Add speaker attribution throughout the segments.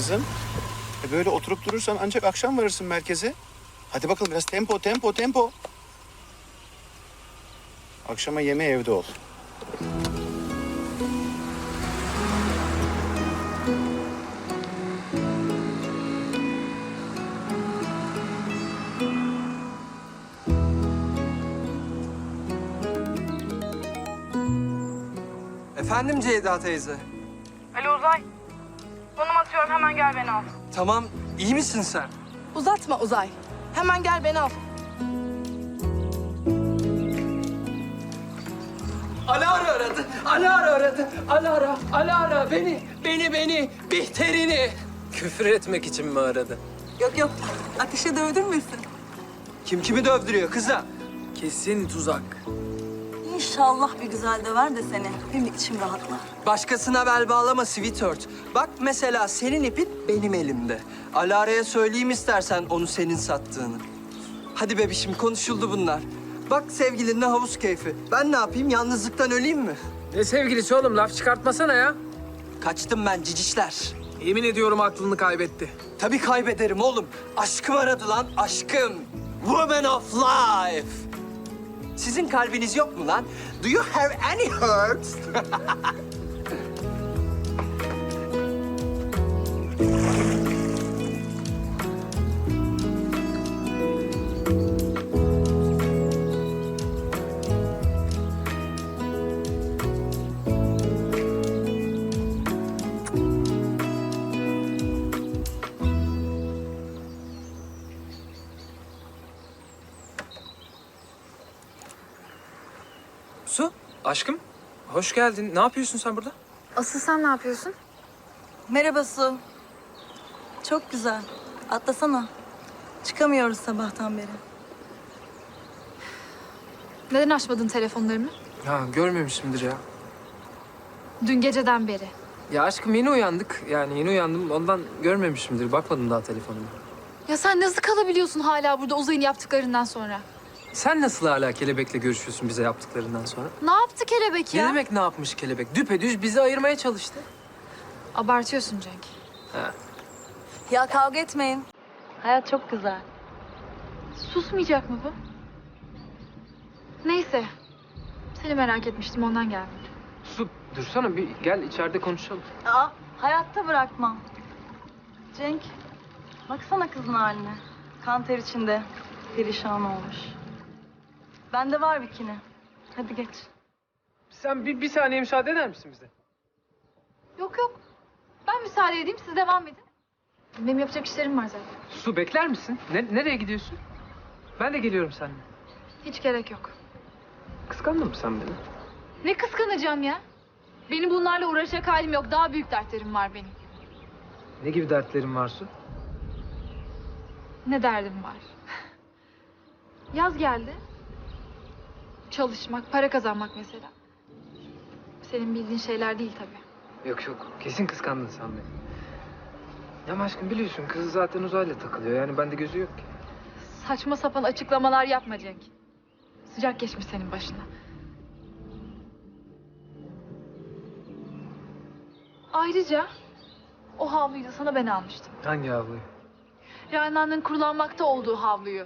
Speaker 1: kızım. Böyle oturup durursan ancak akşam varırsın merkeze. Hadi bakalım biraz tempo, tempo, tempo. Akşama yemeğe evde ol.
Speaker 2: Efendim Ceyda teyze.
Speaker 3: Alo Uzay. Konum atıyorum, hemen gel beni al.
Speaker 2: Tamam, iyi misin sen?
Speaker 3: Uzatma Uzay. Hemen gel beni al.
Speaker 2: Alara aradı, Alara aradı. Alara beni, Bihter'ini. Küfür etmek için mi aradı?
Speaker 4: Yok. Ateşe dövdürmesin.
Speaker 2: Kim kimi dövdürüyor kıza?
Speaker 5: Kesin tuzak.
Speaker 4: İnşallah bir güzel döver de seni. Benim içim rahatlar.
Speaker 2: Başkasına bel bağlama sweetheart. Bak mesela senin ipin benim elimde. Alara'ya söyleyeyim istersen onu senin sattığını. Hadi bebişim konuşuldu bunlar. Bak sevgilinle havuz keyfi. Ben ne yapayım, yalnızlıktan öleyim mi?
Speaker 5: Ne sevgilisi oğlum, laf çıkartmasana ya.
Speaker 2: Kaçtım ben cicişler.
Speaker 5: Yemin ediyorum aklını kaybetti.
Speaker 2: Tabii kaybederim oğlum. Aşkım aradı lan, aşkım. Woman of life. Sizin kalbiniz yok mu lan? Do you have any hurts?
Speaker 5: Su, aşkım. Hoş geldin. Ne yapıyorsun sen burada?
Speaker 6: Asıl sen ne yapıyorsun?
Speaker 4: Merhaba Su. Çok güzel. Atlasana. Çıkamıyoruz sabahtan beri.
Speaker 6: Neden açmadın telefonlarımı?
Speaker 5: Ha, görmemişimdir ya.
Speaker 6: Dün geceden beri.
Speaker 5: Ya aşkım yeni uyandık. Yani yeni uyandım. Ondan görmemişimdir. Bakmadım daha telefonuma.
Speaker 6: Ya sen nasıl kalabiliyorsun hala burada Uzay'ın yaptıklarından sonra?
Speaker 5: Sen nasıl hala kelebekle görüşüyorsun bize yaptıklarından sonra?
Speaker 6: Ne yaptı kelebek ya?
Speaker 5: Ne demek ne yapmış kelebek? Düpedüz bizi ayırmaya çalıştı.
Speaker 6: Abartıyorsun Cenk.
Speaker 5: Ha.
Speaker 4: Ya kavga etmeyin. Hayat çok güzel.
Speaker 6: Susmayacak mı bu? Neyse. Seni merak etmiştim, ondan geldim.
Speaker 5: Su, dursana bir gel içeride konuşalım.
Speaker 4: Aa, hayatta bırakmam. Cenk, baksana kızın haline. Kan ter içinde, perişan olmuş. Bende var bikini. Hadi geç.
Speaker 5: Sen bir saniye müsaade eder misin bize?
Speaker 6: Yok. Ben müsaade edeyim, siz devam edin. Benim yapacak işlerim var zaten.
Speaker 5: Su bekler misin? Nereye gidiyorsun? Ben de geliyorum seninle.
Speaker 6: Hiç gerek yok.
Speaker 5: Kıskandın mı sen beni?
Speaker 6: Ne kıskanacağım ya? Benim bunlarla uğraşacak halim yok. Daha büyük dertlerim var benim.
Speaker 5: Ne gibi dertlerin var Su?
Speaker 6: Ne derdim var? Yaz geldi. Çalışmak, para kazanmak mesela. Senin bildiğin şeyler değil tabii.
Speaker 5: Yok. Kesin kıskandın sen beni. Ya aşkım biliyorsun kız zaten uzayla takılıyor. Yani bende gözü yok ki.
Speaker 6: Saçma sapan açıklamalar yapma Cenk. Sıcak geçmiş senin başına. Ayrıca o havluyu da sana ben almıştım.
Speaker 5: Hangi havluyu?
Speaker 6: Rana'nın kurulanmakta olduğu havluyu.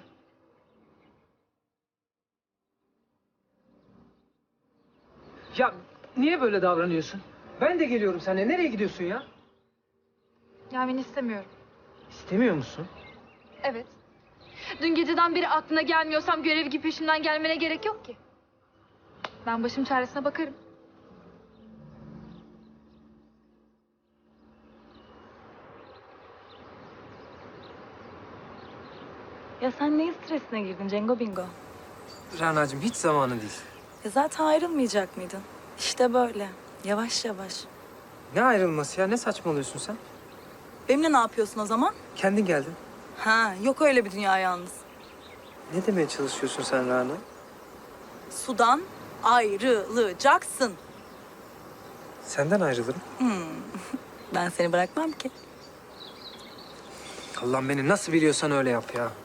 Speaker 5: Ya niye böyle davranıyorsun? Ben de geliyorum seninle. Nereye gidiyorsun ya?
Speaker 6: Gelmeni istemiyorum.
Speaker 5: İstemiyor musun?
Speaker 6: Evet. Dün geceden beri aklına gelmiyorsam görev gibi peşimden gelmene gerek yok ki. Ben başım çaresine bakarım.
Speaker 4: Ya sen neyin stresine girdin Cengo Bingo?
Speaker 5: Rana'cığım hiç zamanı değil.
Speaker 4: Zaten ayrılmayacak mıydın? İşte böyle. Yavaş yavaş.
Speaker 5: Ne ayrılması ya? Ne saçmalıyorsun sen?
Speaker 4: Benimle ne yapıyorsun o zaman?
Speaker 5: Kendin geldin.
Speaker 4: Ha, yok öyle bir dünya yalnız.
Speaker 5: Ne demeye çalışıyorsun sen Rana?
Speaker 4: Sudan ayrılacaksın.
Speaker 5: Senden ayrılırım.
Speaker 4: Ben seni bırakmam ki.
Speaker 5: Allah'ım beni nasıl biliyorsan öyle yap ya.